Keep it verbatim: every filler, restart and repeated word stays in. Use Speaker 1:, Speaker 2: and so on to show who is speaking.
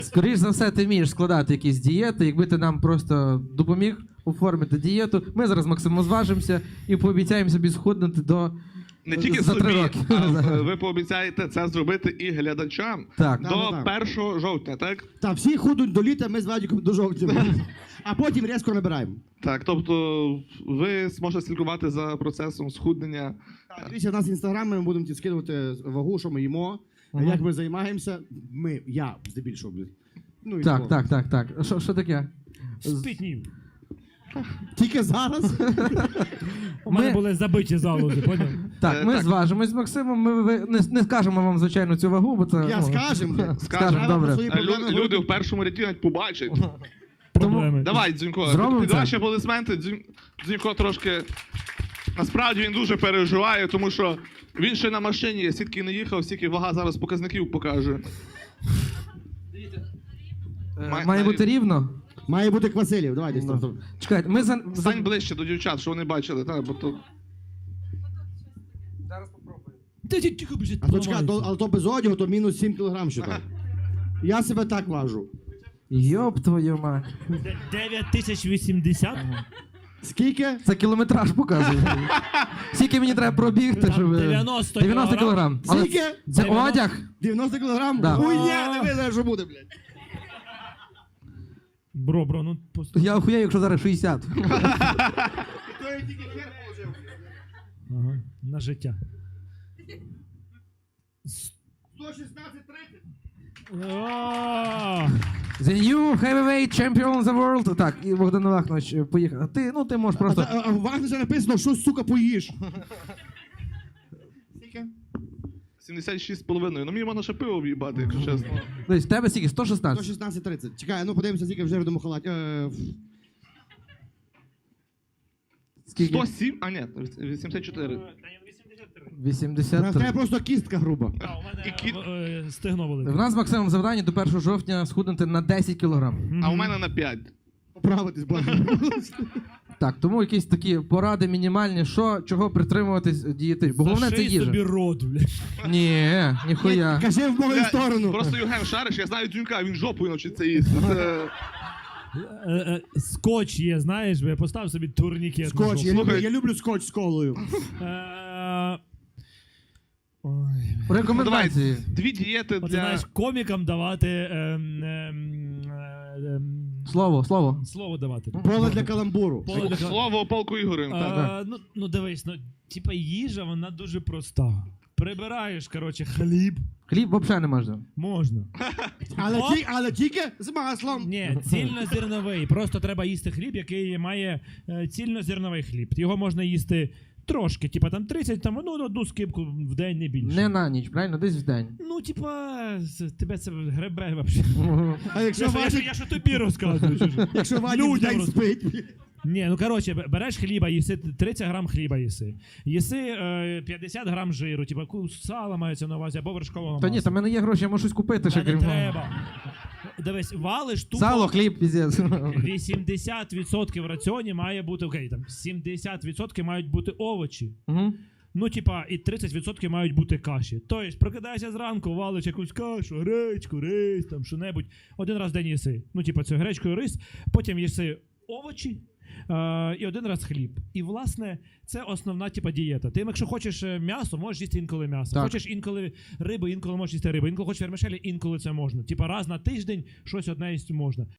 Speaker 1: Скоріш за все, ти вмієш складати якісь дієти. Якби ти нам просто допоміг оформити дієту, ми зараз Максимом зважимося і пообіцяємо собі схуднути до
Speaker 2: Не тільки
Speaker 1: за три
Speaker 2: собі,
Speaker 1: роки.
Speaker 2: а ви пообіцяєте це зробити і глядачам
Speaker 1: Так.
Speaker 2: до
Speaker 3: Да, да,
Speaker 2: першого жовтня, так?
Speaker 3: Та всі худуть до літа, ми з Вадиком до жовтня. А потім різко набираємо.
Speaker 2: Так, тобто ви зможете слідкувати за процесом схуднення.
Speaker 3: Так, дивіться, в нас інстаграм, ми будемо ті скидувати вагу, що ми їмо, як ми займаємося. Ми, я здебільшого, блядь. Ну, і
Speaker 1: Так,
Speaker 3: такого.
Speaker 1: так, так, так. Що, що таке?
Speaker 4: Спітнів.
Speaker 3: Тільки зараз.
Speaker 4: У мене
Speaker 1: Ми-
Speaker 4: були забиті залози, поняв?
Speaker 1: Так,
Speaker 2: Е,
Speaker 1: ми
Speaker 2: так.
Speaker 1: зважимось з Максимом. Ми ви- не, не скажемо вам, звичайно, цю вагу, бо це.
Speaker 3: Я
Speaker 1: ну,
Speaker 3: скажем, блядь.
Speaker 1: Скажемо,
Speaker 3: Треба
Speaker 1: добре.
Speaker 3: про свої
Speaker 2: А лю-
Speaker 3: проблеми
Speaker 2: Люди
Speaker 3: говорити.
Speaker 2: в першому ряді навіть побачать.
Speaker 4: Проблеми.
Speaker 2: Давай, Дзюнько,
Speaker 1: Зробимо
Speaker 2: під
Speaker 1: це?
Speaker 2: ваші аплодисменти. Дзюнь- Дзюнько трошки. Насправді він дуже переживає, тому що він ще на машині, сітки не їхав, стільки вага зараз показників покаже.
Speaker 1: Е,
Speaker 2: Має-
Speaker 1: Має бути рівно.
Speaker 3: Має бути Квасилів, давай десь там.
Speaker 1: Чекайте, ми за. за-
Speaker 2: Стань ближче до дівчат, що вони бачили, так, бо то.
Speaker 1: Зараз попробую.
Speaker 4: Та ті- тихо, блядь,
Speaker 3: А то чекай, то,
Speaker 4: поламається.
Speaker 3: але то без одягу, то мінус сім кілограм ще так. Я себе так важу.
Speaker 1: Йоп твою мать.
Speaker 4: Де- дев'ять тисяч вісімдесят?
Speaker 3: Скільки?
Speaker 1: Це кілометраж показує. Скільки мені треба пробігти,
Speaker 4: Там
Speaker 1: щоб.
Speaker 4: дев'яносто
Speaker 1: дев'яносто кілограм. Але
Speaker 3: Скільки?
Speaker 1: Це
Speaker 4: дев'яносто.
Speaker 1: одяг.
Speaker 3: дев'яносто кілограм?
Speaker 1: Да.
Speaker 3: Хуйня, не видно, що буде, блядь.
Speaker 4: Бро, бро, ну просто.
Speaker 1: Я охуєю, якщо зараз шістдесят.
Speaker 4: Ага, на життя.
Speaker 3: сто шістнадцять тридцять.
Speaker 4: О!
Speaker 1: The new heavyweight champion of the world. Так, і Богдан Вахнович поїхав. А ти, ну ти можеш
Speaker 3: А,
Speaker 1: просто.
Speaker 3: та- а в Вагнері написано, що, сука, поїш. Скільки?
Speaker 2: сімдесят шість з половиною. Ну мені можна ще пиво в'їбати, якщо чесно.
Speaker 1: Десь в тебе скільки? сто
Speaker 3: сто
Speaker 1: шістнадцять.
Speaker 3: шістнадцять тридцять. Чекай, ну подивимося, скільки вже в тому халаті. Е, ф-
Speaker 1: Скільки?
Speaker 2: сто сім? А ні, вісімдесят чотири.
Speaker 1: вісімдесят
Speaker 3: в тебе
Speaker 1: три.
Speaker 3: просто кістка груба.
Speaker 4: А, у мене
Speaker 2: І кіт-
Speaker 4: е, стегно велике.
Speaker 1: В нас з Максимом завдання до першого жовтня схуднути на десять кілограм.
Speaker 2: А у мене на п'ять.
Speaker 3: Поправитись, бачу.
Speaker 1: Так, тому якісь такі поради мінімальні, що, чого притримуватись дієти. Бо головне це
Speaker 4: Заший собі
Speaker 1: їжа.
Speaker 4: рот, блядь.
Speaker 1: Ні, ніхуя.
Speaker 3: Кажи в мою
Speaker 2: Бля,
Speaker 3: сторону.
Speaker 2: Просто Євген шариш, я знаю Дзюнька, він жопою навчиться їсти. Це...
Speaker 4: Е, е, Скотч є, знаєш, бо я поставив собі турнікет. на
Speaker 3: Скотч,
Speaker 4: жопу.
Speaker 3: я люблю,
Speaker 2: Слухай.
Speaker 3: я люблю скотч з колою.
Speaker 4: Е, Ой.
Speaker 1: Рекомендації.
Speaker 2: Дві дієти
Speaker 4: Оце,
Speaker 2: для...
Speaker 4: знаєш, комікам давати ем, ем, е, ем,
Speaker 1: Слово, слово.
Speaker 4: слово давати.
Speaker 3: Поле для каламбуру.
Speaker 4: Поле для-
Speaker 2: Слово полку Ігорем. так.
Speaker 4: Е, ну, ну дивись, ну, типа їжа, вона дуже проста. Прибираєш, коротше, хліб,
Speaker 1: Хліб взагалі не можна.
Speaker 4: можна.
Speaker 3: Але,
Speaker 4: Оп.
Speaker 3: ті, але тільки з маслом.
Speaker 4: Ні, цільнозерновий. Просто треба їсти хліб, який має е, цільнозерновий хліб. Його можна їсти трошки, типа там тридцять, там, ну, одну скипку в день, не більше.
Speaker 1: Не на ніч, правильно? Десь в день.
Speaker 4: Ну, типа, з- тебе це гребе взагалі.
Speaker 3: А якщо
Speaker 4: Я, що- я, що-
Speaker 3: Вадик,
Speaker 4: я що тобі розказую. чужі.
Speaker 3: якщо Вадик в
Speaker 4: Людям
Speaker 3: день
Speaker 4: роз-
Speaker 3: спить.
Speaker 4: Ні, ну коротше, б- береш хліба, їси тридцять грам хліба їси. Їси е, п'ятдесят грам жиру, типа ку- сала мається на увазі, або вершкового
Speaker 1: Та ні,
Speaker 4: масла.
Speaker 1: там в мене є гроші, я можу щось купити ще
Speaker 4: Та не
Speaker 1: крім.
Speaker 4: треба. Дивись, валиш тупо.
Speaker 1: Сало, хліб, піздець.
Speaker 4: вісімдесят відсотків в раціоні має бути, окей, там сімдесят відсотків мають бути овочі.
Speaker 1: Мгм.
Speaker 4: Ну, типа, і тридцять відсотків мають бути каші. Тобто, прокидаєшся зранку, валиш якусь кашу, гречку, рис, там що-небудь. Один раз в день їси. Ну, типа, це гречку і рис, потім їси овочі. Е, і один раз хліб. І, власне, це основна типа дієта. Ти, якщо хочеш е, м'ясо, можеш їсти інколи м'ясо.
Speaker 1: Так.
Speaker 4: Хочеш інколи рибу, інколи можеш їсти рибу. Інколи хочеш вермишелі, інколи це можна. Типа раз на тиждень щось одне їсти можна.